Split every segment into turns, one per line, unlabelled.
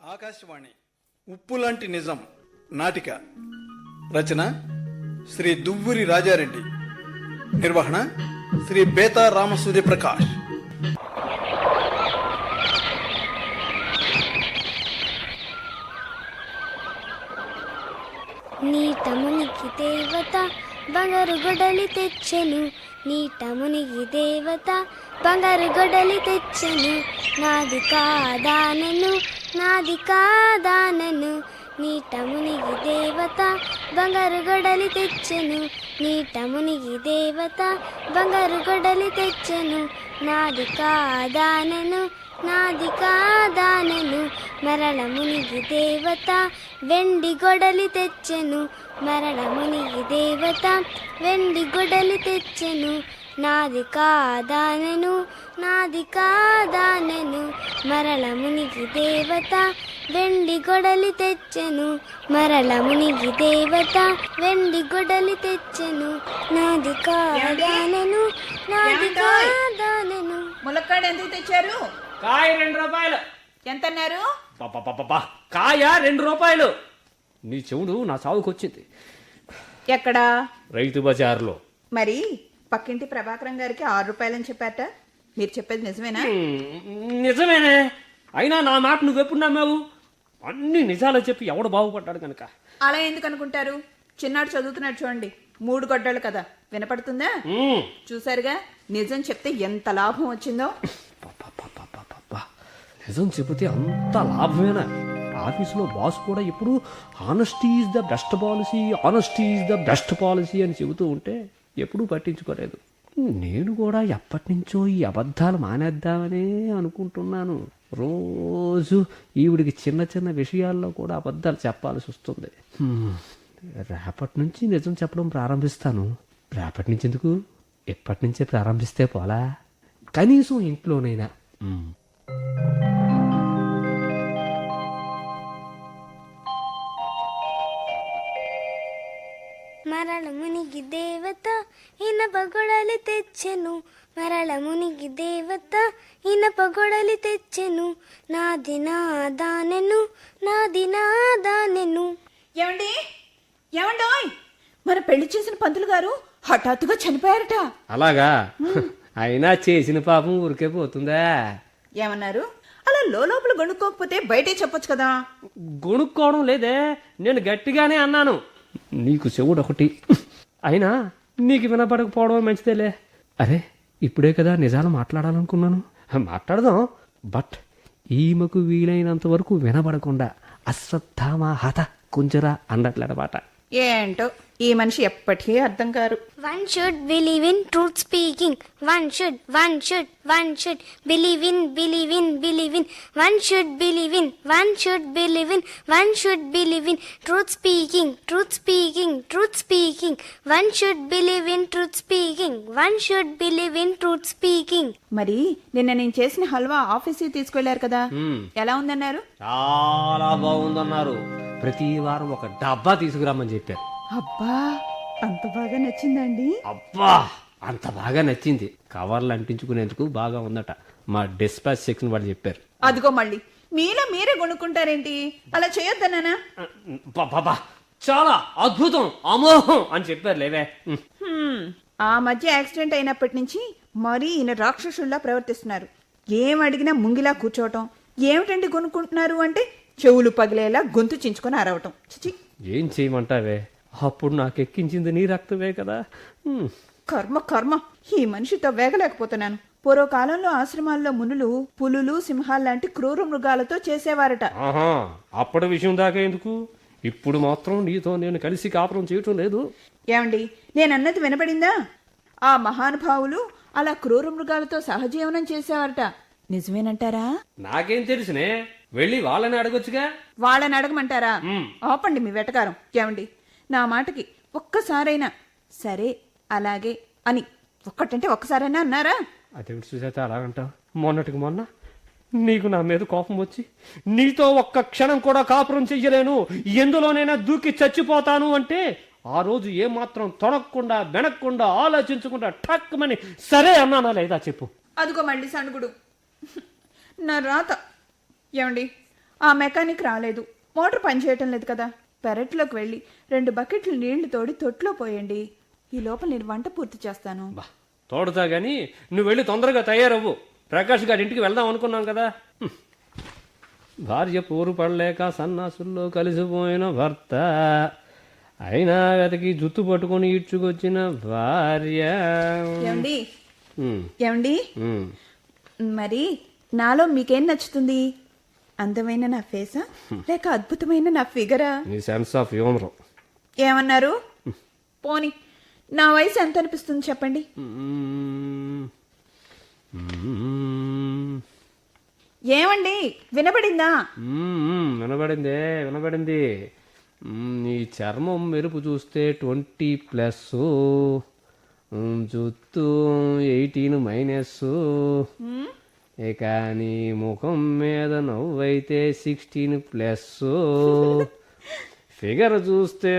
ఆకాశవాణి ఉప్పులాంటి నిజం నాటిక రచన శ్రీ దువ్వూరి రాజారెడ్డి, నిర్వహణ శ్రీ బేతా రామసూర్య ప్రకాష్.
నీటమునికి దేవత బంగారు గొడలి తెచ్చెను, నీటమునికి దేవత బంగారు గొడలి తెచ్చెను, నాది కాదానను నాది కాదానను. నీటమునికి దేవత బంగారు గొడలి తెచ్చెను, నీటమునికి దేవత బంగారు గొడలి తెచ్చెను, నాది కాదానను నాది కాదానను. మరల మునిగి దేవత వెండి గొడలి తెచ్చెను, మరల మునిగి దేవత వెండి గొడలి తెచ్చెను, నాది కాదానను నాది కాదానను. మరల మునిగి దేవత వెండి గొడలి తెచ్చెను, మరల మునిగి దేవత వెండి గొడలి తెచ్చెను, నాది కాదానను నాది కాదానను.
ములక్కాడ ఎందుకు తెచ్చారు?
కాయ 2 రూపాయలు.
ఎంత అన్నారు?
కాయ 2 రూపాయలు. నీ చెవుడు నా సావుకొచ్చింది.
ఎక్కడా?
రైతు బజార్లో.
మరి పక్కింటి ప్రభాకరం గారికి 6 రూపాయలని చెప్పారట. మీరు చెప్పేది నిజమేనా?
నిజమేనే. అయినా నా మాట నువ్వెప్పుడు నమ్మావు? అన్ని నిజాలు చెప్పి ఎవడు బాగుపడ్డాడు కనుక.
అలా ఎందుకు అనుకుంటారు? చిన్నాడు చదువుతున్నాడు చూడండి, 3 గొడ్డలు కదా, వినపడుతుందా? చూసారుగా, నిజం చెప్తే ఎంత లాభం వచ్చిందో.
నిజం చెబితే అంత లాభమేనా? ఆఫీసులో బాస్ కూడా ఎప్పుడు honesty is the best policy, honesty is the best policy అని చెబుతూ ఉంటే ఎప్పుడూ పట్టించుకోలేదు. నేను కూడా ఎప్పటి నుంచో ఈ అబద్ధాలు మానేద్దామనే అనుకుంటున్నాను. రోజు ఈవిడికి చిన్న చిన్న విషయాల్లో కూడా అబద్ధాలు చెప్పాల్సి వస్తుంది. రేపటి నుంచి నిజం చెప్పడం ప్రారంభిస్తాను. రేపటి నుంచి ఎందుకు, ఎప్పటి నుంచే ప్రారంభిస్తే పోలా, కనీసం ఇంట్లోనైనా.
మరల మునిగి దేవత ఇనప గొడలి తెచ్చెను, మరల మునిగి దేవత ఇనప గొడలి తెచ్చెను, నాది నాదానెను నాది నాదానెను.
ఏమండి ఏమండోయ్, మన పెళ్లి చేసిన పంతులు గారు హఠాత్తుగా చనిపోయారట.
అలాగా? అయినా చేసిన పాపం ఊరికే పోతుందా?
ఏమన్నారు? అలా లోపల గొనుక్కోకపోతే బయటే చెప్పొచ్చు కదా.
గొనుక్కోవడం లేదే, నేను గట్టిగానే అన్నాను. నీకు చెవుడు ఒకటి, అయినా నీకు వినపడకపోవడం మంచిదేలే. అరే, ఇప్పుడే కదా నిజాలు మాట్లాడాలనుకున్నాను. మాట్లాడదాం, బట్ ఈమెకు వీలైనంత వరకు వినబడకుండా అశ్వత్థామ హత కుంజరా అన్నట్లనమాట.
ఏంటో ఈ మనిషి ఎప్పటికీ అర్థం కారు.
One should believe in truth speaking. One should believe in. One should believe in truth speaking. One should believe in truth speaking.
మరి నిన్న నేను చేసిన హల్వా ఆఫీస్కి తీసుకెళ్లారు కదా, ఎలా ఉందన్నారు?
చాలా బాగుందన్నారు. ప్రతి వారం ఒక డబ్బా తీసుకురామని చెప్పారు.
అబ్బా, అంత బాగా నచ్చిందండి?
అబ్బా, అంత బాగా నచ్చింది. కవర్లు అంటించుకునేందుకు బాగా ఉందట. మా డిస్పాచ్ సెక్షన్ వాళ్ళు చెప్పారు.
అదిగో మళ్ళీ మీలో మీరే కొనుక్కుంటారేంటి? అలా చేయొద్దన్నానా?
బాబా, చాలా అద్భుతం, అమోహం అని చెప్పారు లేవే.
ఆ మధ్య యాక్సిడెంట్ అయినప్పటి నుంచి మరీ ఈయన రాక్షసుల్లా ప్రవర్తిస్తున్నారు. ఏం అడిగినా ముంగిలా కూర్చోవటం. ఏమిటండి కొనుక్కుంటున్నారు అంటే చెవులు పగిలేలా గొంతు చించుకొని అరవటం. చిచి,
ఏం చేయమంటావే? అప్పుడు నాకు ఎక్కించింది నీ రక్తమే కదా.
కర్మ కర్మ, ఈ మనిషితో వేగలేకపోతున్నాను. పూర్వకాలంలో ఆశ్రమాల్లో మునులు పులులు సింహాల్లాంటి క్రూర మృగాలతో చేసేవారట.
అప్పటి విషయం దాకా ఎందుకు, ఇప్పుడు మాత్రం నీతో నేను కలిసి కాపురం చేయటం లేదు.
ఏమండి, నేనన్నది వినపడిందా? ఆ మహానుభావులు అలా క్రూర మృగాలతో సహజీవనం చేసేవారట. నిజమేనంటారా?
నాకేం తెలుసునే, వెళ్ళి వాళ్ళని అడగొచ్చుగా.
వాళ్ళని అడగమంటారా? ఆపండి మీ వెటకారం. ఏమండి, నా మాటకి ఒక్కసారైనా సరే అలాగే అని ఒక్కటంటే ఒక్కసారైనా అన్నారా?
అదేమిటి సుజాత అలాగంటావు? మొన్నటికి మొన్న నీకు నా మీద కోపం వచ్చి నీతో ఒక్క క్షణం కూడా కాపురం చెయ్యలేను, ఎందులోనైనా దూకి చచ్చిపోతాను అంటే ఆ రోజు ఏమాత్రం తొడగకుండా వెనక్కుండా ఆలోచించకుండా ఠక్కుమని సరే అన్నానా లేదా చెప్పు.
అదిగో మళ్ళీ సణుగుడు. నా రాత. ఏమండి, ఆ మెకానిక్ రాలేదు, మోటార్ పనిచేయటం లేదు కదా. పెరట్లోకి వెళ్ళి 2 బకెట్లు నీళ్లు తోడి తొట్లో పోయండి. ఈ లోపల నేను వంట పూర్తి చేస్తాను.
బా తోడుతా గాని నువ్వు వెళ్ళి తొందరగా తయారవ్వు. ప్రకాష్ గారి ఇంటికి వెళ్దాం అనుకున్నాం కదా. భార్య పోరు పడలేక సన్నాసుల్లో కలిసిపోయిన భర్త, అయినా వెతకి జుత్తు పట్టుకొని ఈడ్చుకొచ్చిన భార్య.
ఏమండి
ఉమ్,
ఏమండి
ఉమ్.
మరి నాలో మీకేం నచ్చుతుంది? అందమైన నా ఫేసా లేక అద్భుతమైన నా ఫిగరా?
నీ సెన్స్ ఆఫ్ హ్యూమర్.
ఏమన్నారు? పోని నా వయసు ఎంత అనిపిస్తుంది చెప్పండి. ఏమండి వినపడిందా?
వినబడిందే, వినబడింది. నీ చర్మం మెరుపు చూస్తే 20+, జుత్తు 18-. ఇక నీ ముఖం మీద నవ్వైతే 16+, ఫిగర్ చూస్తే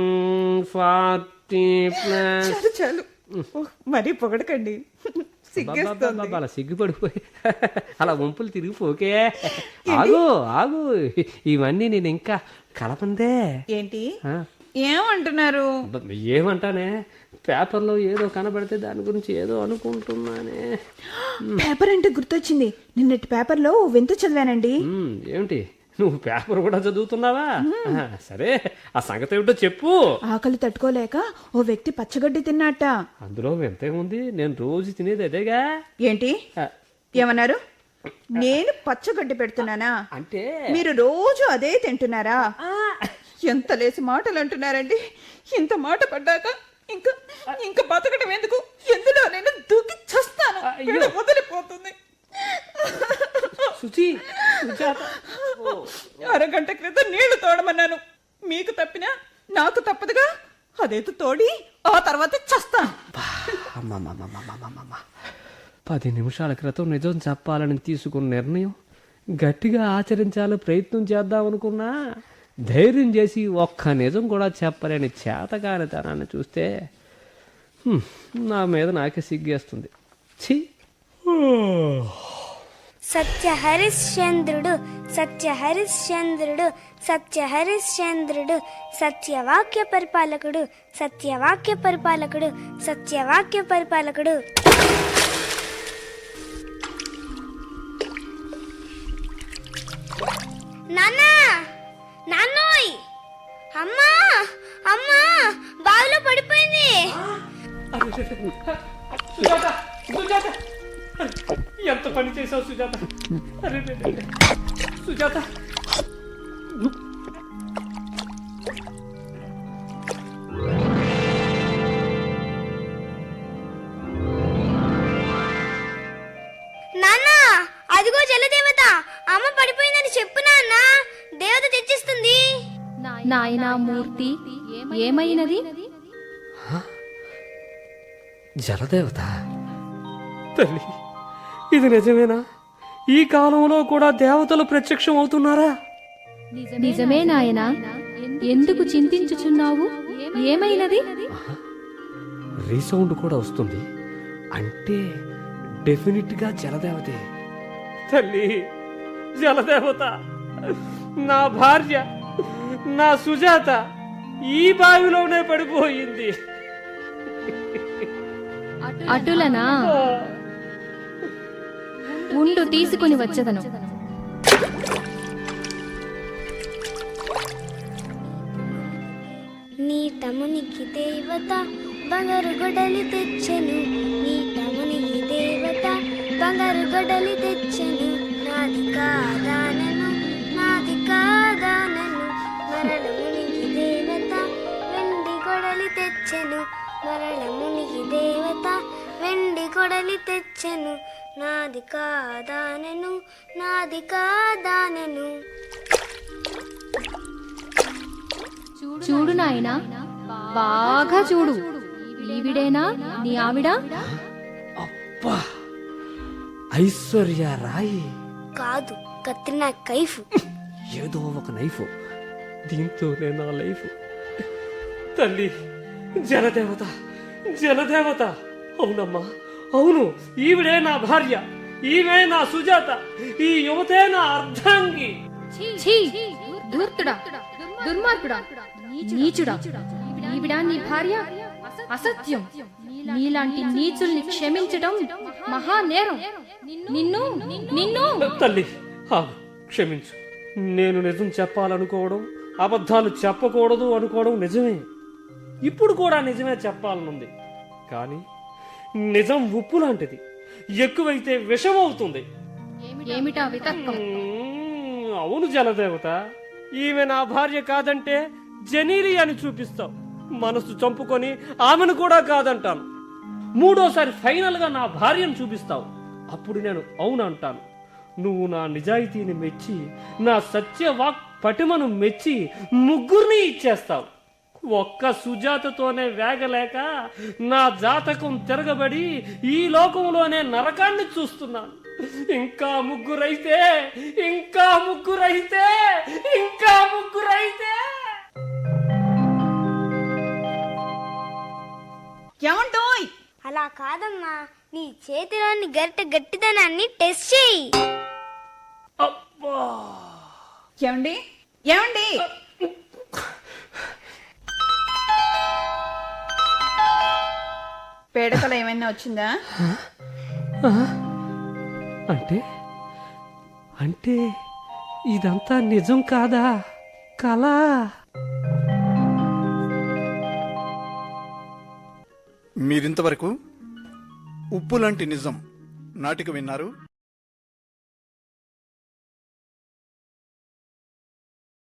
40+.
చాలు చాలు, మరీ పొగడకండి, సిగ్గేస్తోంది.
అలా సిగ్గుపడిపోయి అలా వంపులు తిరిగిపోకే. ఆగు ఆగు, ఇవన్నీ నేను ఇంకా కలపందే.
ఏంటి ఏమంటున్నారు?
ఏమంటానే, పేపర్లో ఏదో కనబడితే దాని గురించి ఏదో అనుకుంటున్నానే.
పేపర్ అంటే గుర్తొచ్చింది, నిన్నటి పేపర్లో ఓ వింత చదివానండి.
ఏమిటి, నువ్వు పేపర్ కూడా చదువుతున్నావా? సరే, ఆ సంగతి ఏమిటో చెప్పు.
ఆకలి తట్టుకోలేక ఓ వ్యక్తి పచ్చగడ్డి తిన్నట్ట.
అందులో వింతే ఉంది, నేను రోజు తినేది అదేగా.
ఏంటి ఏమన్నారు? నేను పచ్చగడ్డి పెడుతున్నానా?
అంటే
మీరు రోజు అదే తింటున్నారా? ఎంత లేసి మాటలు అంటున్నారండి. ఇంత మాట పడ్డాక ఇంకా ఇంకా బతకడం ఎందుకు? ఎందులో నేను దూకి చస్తాను. వదిలిపోతుంది.
సుచి, సుజాత.
అరగంట క్రితం నీళ్లు తోడమన్నాను, మీకు తప్పినా నాకు తప్పదుగా. అదేదో తోడి ఆ తర్వాత చస్తాను.
10 నిమిషాల క్రితం నిజం చెప్పాలని తీసుకున్న నిర్ణయం గట్టిగా ఆచరించాలని ప్రయత్నం చేద్దామనుకున్నా, ధైర్యం చేసి ఒక్క నిజం కూడా చెప్పలేని చేతకానితనాన్ని చూస్తే నా మీద నాకే సిగ్గేస్తుంది. ఛీ.
సత్యహరిశ్చంద్రుడు సత్యహరిశ్చంద్రుడు సత్యహరిశ్చంద్రుడు సత్యవాక్య పరిపాలకుడు సత్యవాక్య పరిపాలకుడు సత్యవాక్య పరిపాలకుడు. నాన్నా, నాన్నోయ్, అమ్మా అమ్మా, బావిలో పడిపోయింది.
సుజాత, సుజాత, ఎంత పని చేసావు సుజాత. అరే సుజాత,
నాన్నా, అదిగో జలదేవత, అమ్మ పడిపోయిందని చెప్పు నాన్న, దేవత తెచ్చిస్తుంది.
నాయనా మూర్తి, ఏమైనది?
జలదేవత. తల్లి, ఇది నిజమేనా? ఈ కాలంలో కూడా దేవతలు ప్రత్యక్షం అవుతున్నారా?
నిజమే నాయనా. ఎందుకు చింతించుచున్నావు? ఏమైనది?
రీసౌండ్ కూడా వస్తుంది, అంటే డెఫినెట్ గా జలదేవతే. తల్లి, జలదేవత, నా భార్య, నా సుజాత ఈ బావిలోనే పడిపోయింది.
అటులనా? ఉండు, తీసుకుని వచ్చదను.
నీ తమునికి దేవత బంగారు గొడలి తెచ్చెను, నీ తమునికి దేవత బంగారు గొడలి తెచ్చెను. నాది కాదానను, నాది కాదానను, మరళమునికి దేవత వెండి గొడలి తెచ్చెను, మరళమునికి దేవత వెండి గొడలి తెచ్చెను. నాది కాదానను, నాది కాదానను.
చూడు నాయనా, బాగా చూడు. ఈవిడేనా నీ ఆవిడ?
అబ్బా, ఐశ్వర్య రాయ్
కాదు, కత్రినా కైఫ్.
ఏదో ఒక నైఫ్, దీంతోనే నా లైఫ్. తల్లి, జలదేవత, జలదేవత. అవునమ్మా, అవును, ఈవిడే నా భార్య, ఈమె నా సుజాత, ఈ యువతే నా అర్ధాంగి.
ఛీ ధూర్తుడా దుర్మార్గుడా నీచుడా ఈవిడా నీ భార్య అసత్యం నీలాంటి నీచుల్ని క్షమించడం మహా నేరం నిన్ను నిన్ను
తల్లి ఆగు, క్షమించు. నేను నిజం చెప్పాలనుకోవడం, అబద్ధాలు చెప్పకూడదు అనుకోవడం నిజమే. ఇప్పుడు కూడా నిజమే చెప్పాలనుంది. కానీ నిజం ఉప్పు లాంటిది, ఎక్కువైతే విషం అవుతుంది.
ఏమిటా వితక్కం?
అవును జలదేవత, ఈమె నా భార్య కాదంటే జనీలి అని చూపిస్తావు. మనసు చంపుకొని ఆమెను కూడా కాదంటాను. మూడోసారి ఫైనల్ గా నా భార్యను చూపిస్తావు. అప్పుడు నేను అవును అంటాను. నువ్వు నా నిజాయితీని మెచ్చి, నా సత్యవాక్ పటిమను మెచ్చి ముగ్గురిని ఇచ్చేస్తావు. ఒక్క సుజాతతోనే వేగలేక నా జాతకం తిరగబడి ఈ లోకంలోనే నరకాన్ని చూస్తున్నాను. ఇంకా ముగ్గురైతే ఇంకా ముగ్గురైతే ఇంకా ముగ్గురైతే
ఏమంటోయ్?
అలా కాదమ్మా, నీ చేతిలోని గరిటె గట్టిదనాన్ని టెస్ట్ చేయి.
అబ్బా!
ఏమండి ఏమండి? పేడకల ఏమైనా వచ్చిందా?
అంటే అంటే ఇదంతా నిజం కాదా, కళ?
మీరింతవరకు ఉప్పు లాంటి నిజం నాటిక విన్నారు.